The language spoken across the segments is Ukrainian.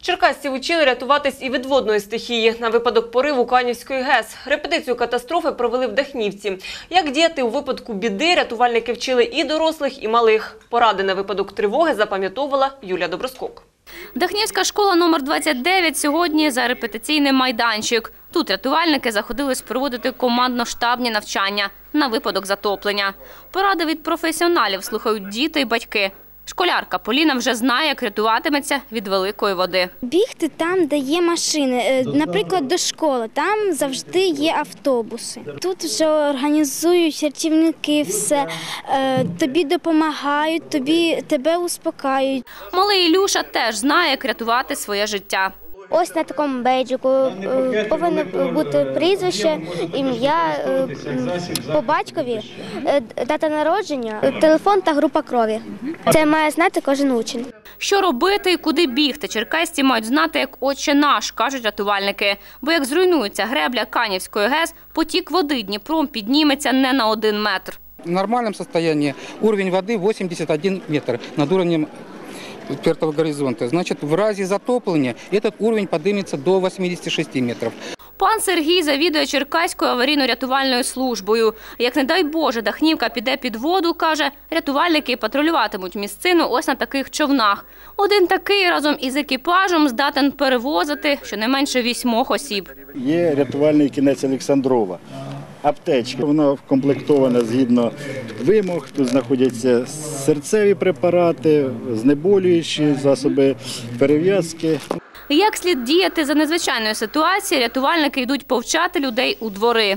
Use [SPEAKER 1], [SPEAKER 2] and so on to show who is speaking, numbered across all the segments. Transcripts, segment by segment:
[SPEAKER 1] Черкасців учили рятуватись і від водної стихії на випадок пориву Канівської ГЕС. Репетицію катастрофи провели в Дахнівці. Як діяти у випадку біди, рятувальники вчили і дорослих, і малих. Поради на випадок тривоги запам'ятовувала Юлія Доброскок.
[SPEAKER 2] Дахнівська школа номер 29 сьогодні за репетиційний майданчик. Тут рятувальники заходились проводити командно-штабні навчання на випадок затоплення. Поради від професіоналів слухають діти і батьки. Школярка Поліна вже знає, як рятуватиметься від великої води.
[SPEAKER 3] Бігти там, де є машини, наприклад, до школи, там завжди є автобуси. Тут вже організують рятівники все, тобі допомагають, тебе успокаюють.
[SPEAKER 2] Малий Ілюша теж знає, як рятувати своє життя.
[SPEAKER 3] Ось на такому бейджику повинно бути прізвище, ім'я, по батькові, дата народження, телефон та група крові. Це має знати кожен учень.
[SPEAKER 2] Що робити і куди бігти, черкасці мають знати як «Отче наш», кажуть рятувальники. Бо як зруйнується гребля Канівської ГЕС, потік води Дніпром підніметься не на 1 метр.
[SPEAKER 4] В нормальном состоянии уровень воды 81 метр над уровнем пертого горизонта. Значит, в разе затопления этот уровень поднимется до 86 метров.
[SPEAKER 2] Пан Сергій завідує Черкаською аварійно-рятувальною службою. Як, не дай Боже, Дахнівка піде під воду, каже, рятувальники патрулюватимуть місцину ось на таких човнах. Один такий разом із екіпажем здатен перевозити щонайменше 8 осіб.
[SPEAKER 5] Є рятувальний кінець Олександрова. Аптечка. Вона вкомплектована згідно вимог. Тут знаходяться серцеві препарати, знеболюючі, засоби перев'язки.
[SPEAKER 2] Як слід діяти за незвичайної ситуації, рятувальники йдуть повчати людей у двори.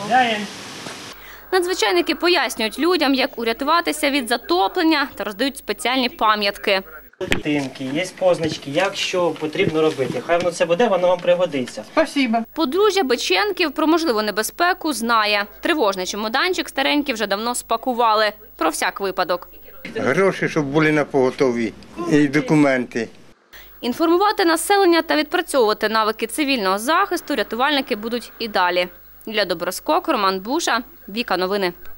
[SPEAKER 2] Надзвичайники пояснюють людям, як урятуватися від затоплення та роздають спеціальні пам'ятки.
[SPEAKER 6] Картинки, є позначки, як що потрібно робити. Хай воно це буде, воно вам пригодиться.
[SPEAKER 7] Спасибо.
[SPEAKER 2] Подружжя Беченків про можливу небезпеку знає. Тривожний чемоданчик старенький вже давно спакували. Про всяк випадок.
[SPEAKER 8] Гроші, щоб були на поготові, і документи.
[SPEAKER 2] Інформувати населення та відпрацьовувати навики цивільного захисту рятувальники будуть і далі. Юлія Доброскок, Роман Буша, Віка Новини.